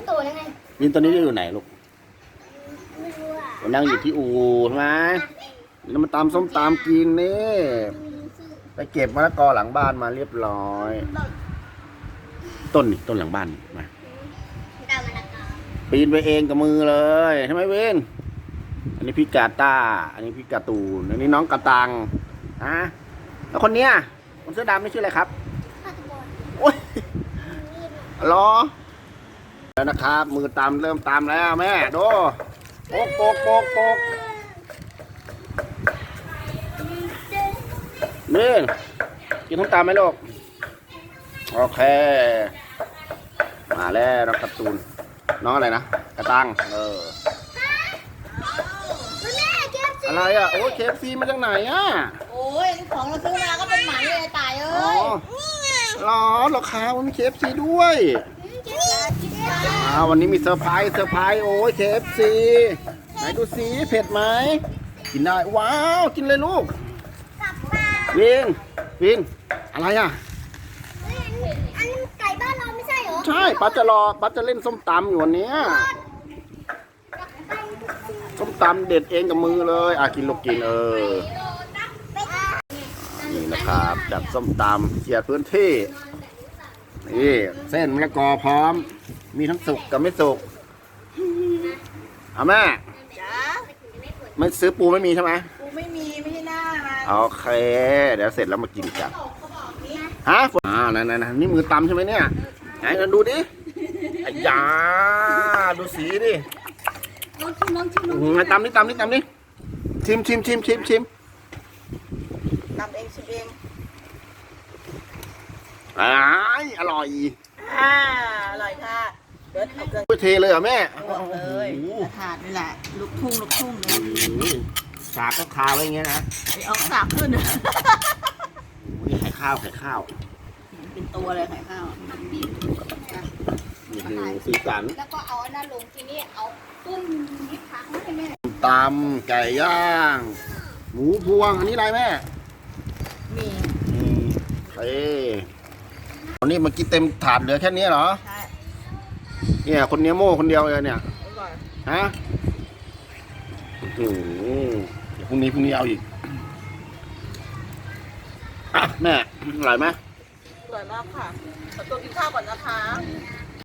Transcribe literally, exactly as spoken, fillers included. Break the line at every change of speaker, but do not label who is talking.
ก็โตแล้วไง
วินตอนนี้อยู่ไหนลูก
ไม่รู้อ่ะ
นั่งอยู่ที่อู่ใช่ไหมแล้วมาตำส้มตำกินนี่ไปเก็บมะละกอหลังบ้านมาเรียบร้อย ต้นนี่ต้นหลังบ้านมาปีนไปเองกับมือเลยใช่ไหมเวนอันนี้พี่กาตาอันนี้พี่กาตูนอันนี้น้องกระตังฮะแล้วคนเนี้ยคนเสื้อดำนี่ชื่ออะไรครับโอ้ยรอแล้วนะครับมือตามเริ่มตามแล้วแม่ดูโปกโปกโปกโปกนี่กินท้องตามไหมลูกโอเคมาแล้วน้องการ์ตูนน้องอะไรนะกระตังเอออะไรอ่ะโอ้ยเคฟซีมาจากไหนอ่ะ
โอ้ยของเราซื้อมาก็เป็นหมันเลยตายเอ้ย
หรอหรอคะมันมีเคฟซีด้วยอ่าวันนี้มีเซอร์ไพรส์เซอร์ไพรส์โอ้ยเคฟซีไหนดูสิเผ็ดไหมกินได้ว้าวกินเลยลูกวินวินอะไรอ่ะ
อันไก่บ้านเราไม่ใช่เหรอ
ใช่ป้าจะรอป้าจะเล่นส้มตำอยู่วันนี้ส้มตำเด็ดเองกับมือเลยอ่ะกินลูกกินเออนี่นะครับจัดส้มตำเกียร์พื้นที่นี่เส้นมะละกอพร้อมมีทั้งสุกกับไม่สุกเอาแม่ไม่ซื้อปูไม่มีใช่ไหม
กูไม่มีไม่ใช่หน้ามา
โอเคเดี๋ยวเสร็จแล้วมากินกันฮะอ่านั่นนั่นนี่มือตำใช่ไหมเนี่ยไหนกันดูดิไอ้ยาดูสีดิ
ลองชิมลองชิมลอง
ไงตำนี่ตำนี่ตำนี่ชิมชิมชิมชิมชิม
ทำเองชิมเอง
อ้ายอร่อย
อ่าอร่อยค่ะเดี๋ยวเอาเกลือ
เทเลยเหรอแม่
บอกเลยถาดนี่แหละลูกทุ่งลูกทุ่งเลย
สากก็คาไว้อย่างเงี้ยนะ
ไอ้เอาสากขึ้น
นี่ไข่ข้าวไข่ข้าว
เป็นตัวเลยไข่ข้าว
นี่คือสีสัน
แล้วก็เอาอันนั้นลงทีนี้เอาต้นนิดผักให้แม่
ตำไก่ย่างหมูพวงอันนี้อะไรแม่
มี
เฮ้ยวันนี้เมื่อกี้เต็มถาดเหลือแค่นี้เหรอ
ใช่
เนี่ยคนนี้โม่คนเดียวเลยเนี่ยฮะโอ้โหเดี๋ยวพรุ่งนี้พรุ่งนี้เอาอีกอ่ะแม่อร่อยไหม
อร่อยมากค่ะขอตัวกินข้าวก่อนนะคะ